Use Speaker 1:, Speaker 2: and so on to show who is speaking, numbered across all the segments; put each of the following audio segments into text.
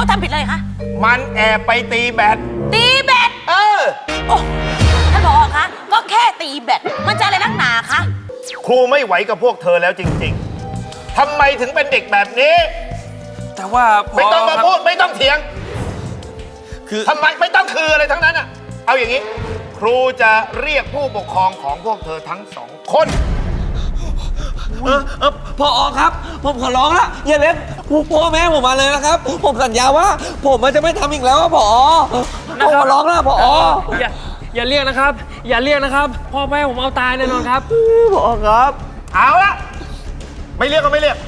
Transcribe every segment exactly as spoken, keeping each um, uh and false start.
Speaker 1: ทำผิดอะไรคะ
Speaker 2: มันแอบไปตีแบด
Speaker 1: ตีแบด
Speaker 2: เออ
Speaker 1: โอ้ท่านผอคะก็แค่ตีแบดมันจะอะไรนักหนาคะ
Speaker 2: ครูไม่ไหวกับพวกเธอแล้วจริงๆทำไมถึงเป็นเด็กแบบนี้
Speaker 3: แต่ว่า
Speaker 2: ไม่ต้องมาพูดไม่ต้องเถียงคือทำไมไม่ต้องคืออะไรทั้งนั้นอ่ะเอาอย่างนี้ครูจะเรียกผู้ปกครองของพวกเธอทั้งสองคน
Speaker 3: เออเออพอครับผมขอร้องละอย่าเล่นพ่อแม่ผมมาเลยนะครับผมสัญญาว่าผมจะไม่ทำอีกแล้วพอผมขอร้องละพอ
Speaker 4: อย่าอย่าเรียกนะครับอย่าเรียกนะครับพ่อแม่ผมเอาตายแน่นอนครับ
Speaker 3: พอครับ
Speaker 2: เอาละไม่เรียกก็ไม่เรียก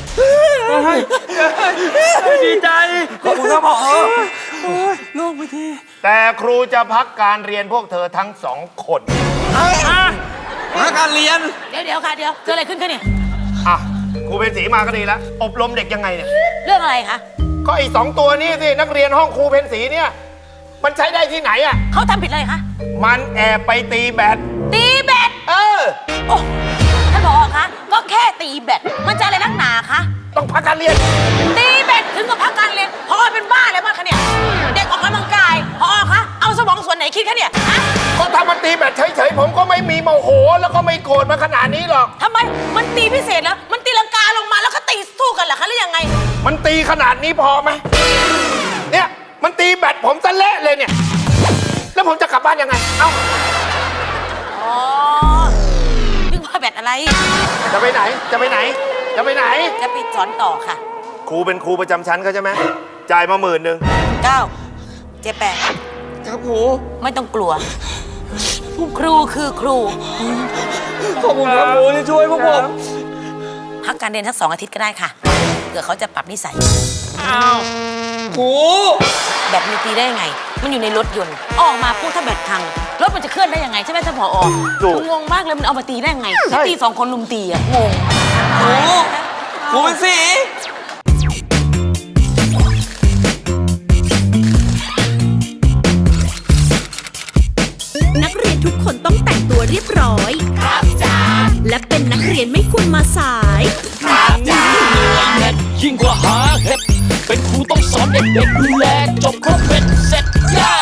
Speaker 4: ดีใจ
Speaker 3: ขอบคุณครับพอโล่งไปที
Speaker 2: แต่ครูจะพักการเรียนพวกเธอทั้งสองคน
Speaker 3: พักการเรียน
Speaker 1: เดี๋ยวเดี๋ยวค่ะเดี๋ยวเกิดอะไรขึ้นคะเนี่ย
Speaker 2: อ่ะครูเป็นศรีมาก็ดีแล้วอบรมเด็กยังไงเนี่ย
Speaker 1: เรื่องอะไรคะ
Speaker 2: ก็ไอ้สองตัวนี้สินักเรียนห้องครูเพนศรีเนี่ยมันใช้ได้ที่ไหนอ่ะ
Speaker 1: เขาทำผิดอะไรคะ
Speaker 2: มันแอบไปตีแบด
Speaker 1: ตีแบด
Speaker 2: เออ
Speaker 1: โอ้ท่านผอคะก็แค่ตีแบดมันจะอะไรนักหนาคะ
Speaker 2: ต้องพักการเรียน
Speaker 1: ตีแบดถึงกับพักการเรียนพอเป็นบ้าอะไรบ้างคะเนี่ยเด็กออกกำลังกายพอคะเอาสมองส่วนไหนคิดคะเนี่ยฮะ
Speaker 2: ก็ถ้ามันตีแบดเฉยๆผมก็ไม่มีโมโหแล้วก็ไม่โกรธมาขนาดนี้หรอก
Speaker 1: ทำไมมันตีพิเศษแล้วมันตีลังกาลงมาแล้วก็ตีสู้กันเหรอคะหรือยังไง
Speaker 2: มันตีขนาดนี้พอไหมเนี่ยมันตีแบดผมซะเละเลยเนี่ยแล้วผมจะกลับบ้านยังไงเอ้า
Speaker 1: อ๋อนึกว่าแบดอะไร
Speaker 2: จะไปไหนจะไปไหนจะไปไหน
Speaker 1: จะไปสอนต่อค่ะ
Speaker 2: ครูเป็นครูประจำชั้นเขาใช่ไหมจ่ายมาหมื่นหนึ่ง
Speaker 1: เก้าเจ็ดแปด
Speaker 3: ครับครู
Speaker 1: ไม่ต้องกลัวครูคือครู
Speaker 3: ขอบคุณครับครูที่ช่วยพวกผม
Speaker 1: พักการเรียนสักสองอาทิตย์ก็ได้ค่ะเผื่อเขาจะปรับนิสัย
Speaker 3: อ้าวครู
Speaker 1: แบตมันตีได้ยังไงมันอยู่ในรถยนต์ออกมาพูดถ้าแบตพังรถมันจะเคลื่อนได้ยังไงใช่ไหมท่านผองงมากเลยมันเอามาตีได้ยังไงตีสองคนลุมตีอะงง
Speaker 3: ครูครูเป็นสี
Speaker 5: นักเรียนทุกคนต้องแต่งตัวเรียบร้อยครับจ้าและเป็นนักเรียนไม่ควรมาสาย
Speaker 6: ครับจ้าเด็ดยิ่งกว่าหาเห็ดเป็นครูต้องสอนเด็กๆดูแลจบครบเป็นเสร็จย่า